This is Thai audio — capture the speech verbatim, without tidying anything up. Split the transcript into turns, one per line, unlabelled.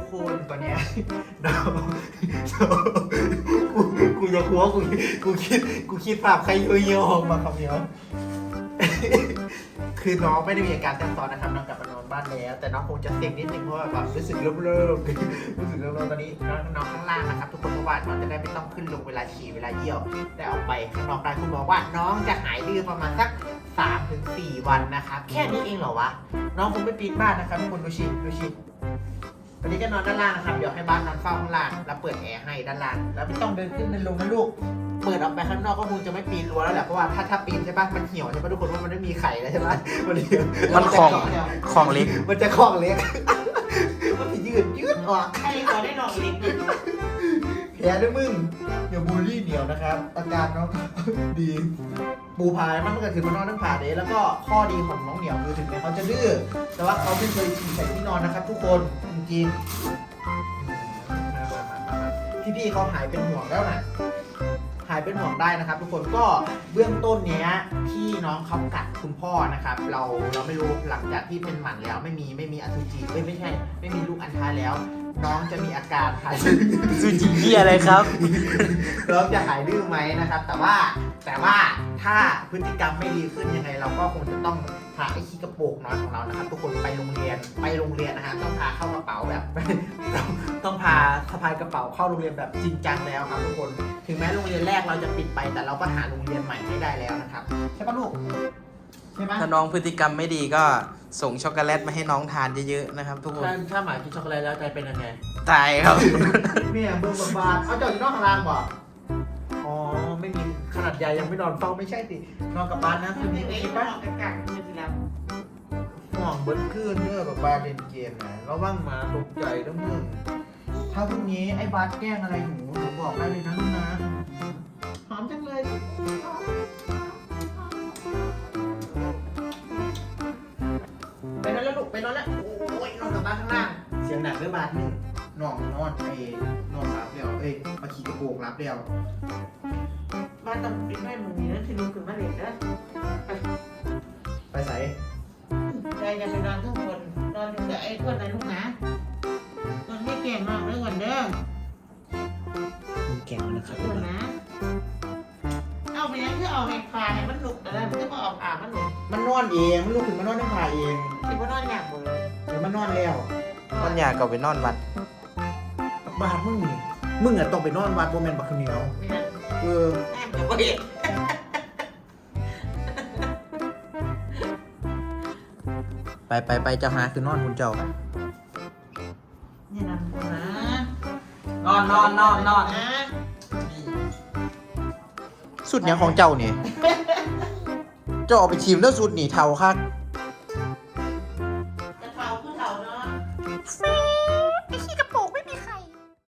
คนตอนเนี้ยน้องกูกูจะคัวกูกูคิดกูคิดภาพใครเยี่ยวๆออกมาคำเดียวคือน้องไม่ได้มีอาการแทรกซ้อนนะครับน้องกลับมานอนบ้านแล้วแต่น้องคงจะเซ็งนิดนึงเพราะว่าแบบรู้สึกเริ่มเริ่มรู้สึกเริ่มเริ่มตอนนี้น้องน้องข้างล่างนะครับทุกคนเพราะว่าน้องจะได้ไม่ต้องขึ้นลงเวลาฉี่เวลาเยี่ยวได้ออกไปข้างนอกได้คุณบอกว่าน้องจะหายดื้อประมาณสักสามถึงสี่วันนะครับแค่นี้เองเหรอวะน้องคงไม่ปีนบ้านนะครับทุกคนดูชิดูชิวันนี้ก็นอนด้านล่างนะครับเดี๋ยวให้บ้านนอนเฝ้าข้างล่างแล้วเปิดแอร์ให้ด้านล่างแล้วไม่ต้องเดินขึ้นเดินลงนะลูกเปิดออกไปข้างนอกก็คงจะไม่ปีนรั้วแล้วแหละเพราะว่าถ้าถ้าปีนใช่ปะมันเหี่ยวใช่ปะทุกคนว่ามันไม่มีไข่แล้วใช่ปะมันเหี่ยว
มันของของเล็ก
มันจะคล้องเล็กมันจะยืดยืดออก
ใครขอได้นอนเล็ก
แผลด้วยมึงเดี๋ยวบูลลี่เหนียวนะครับอาการน้องดีปูพายมันก็คือมันนอนทั้งผ่าเดย์แล้วก็ข้อดีของน้องเหนียวคือถึงแม้เขาจะดื้อแต่ว่าเขาไม่เคยฉี่ใส่ที่นอนนะครับ ทุกคนจริงๆพี่ๆเขาหายเป็นห่วงแล้วนะหายเป็นห่วงได้นะครับ ทุกคนก็เบื้องต้นเนี้ยพี่น้องเขากัดคุณพ่อนะครับ เราเราไม่รู้หลังจากที่เป็นหมันแล้วไม่มีไม่มีอสุจิไม่ไม่ใช่ไม่มีลูกอัณฑะแล้ว น้องจะมีอาการหาย
ซูจิเหียอะไรครับ
น้องจะหายดื้อไหมนะครับ แต่ว่าแต่ว่าถ้าพฤติกรรมไม่ดีขึ้นยังไงเราก็คงจะต้องพาไอ้ขี้กระโปรงน้อยของเรานะครับ ทุกคนไปโรงเรียนไปโรงเรียนนะฮะต้องพาเข้ากระเป๋าแบบ ต้องต้องพาสะพายกระเป๋าเข้าโรงเรียนแบบจริงจังแล้วครับทุกคนถึงแม้โรงเรียนแรกเราจะปิดไปแต่เราก็หาโรงเรียนใหม่ให้ได้แล้วนะครับใช่ปะลูกใช่ไหม
ถ้าน้องพฤติกรรมไม่ดีก็ส่งช็อกโกแลตมาให้น้องทานเยอะๆนะครับ ทุกคน
ถ้าถ้าหมากินช็อกโกแลตแล้วใจเป็นยังไง
ตายครับ
เมียเบิ่งบาดเอาเจ้าอยู่นอกข้างล่างบ่อ๋อไม่มีขนาดใหญ่ยังไม่นอนเฝ้าไม่ใช่สินอนกับบ้านนะคืนนี้
เล็ก
คิด
ๆนอ
ปะ
นกันๆคือแล้ว
ห่วงเบิ้ลคืนเด้อแบบบาเล่นเกมนะระวังหมาตกใจนะมึงถ้าพรุ่งนี้ไอ้บาสแกล้งอะไรหนูหนูบอกได้เลยนะลูกนะหอมจังเลยไปนอนแล้วลูกไปนอนแล้วโอ้ยนอนกับบ้านข้างล่างเสียงหนักเรื่องบาสหนึ่งนอนนอนไอ้นอนรับเดียวเอ้ยมาขี่กระโปรงรับเดียว
บ้านต้องปิดแม่มึงนี่นะที่ลูกขึ้นมาเล่นนะ
ไปใส่
ใจจะไปนอนทุกคนนอนอยู่กับไอ้คนไหนลูกนะนอนไม่เก่งมากเลยก่อนเด้อ
มีแก้วนะครับ
คนนะเอาไปยังคือเอาแหกปลาให้มันลุกแต่ละมันก็มาออกอ่ามันลุก
มันนอนเองมันลุกขึ้นมานอนในผ้าเอง
ที่ว่านอนอยากหมดเลย
เดี๋ยวมันนอนแล้ว
มันอยากกลับไปนอนวัด
บาดมึงนี่มึงอะต้องไปนอนวัดโมเมนต์บักข้าวเหนียว
ไม่นั่น
เออ
แม่จะไปเห็น
ไปไปไปเจ้าหาคือนอนคุณเจ้า
นี่นั่นนะ
นอนนอนนอนนอน
นะ
สุดยังของเจ้านี่ เจ้าเอาไปทีมแล้วสุดหนีเทาคัก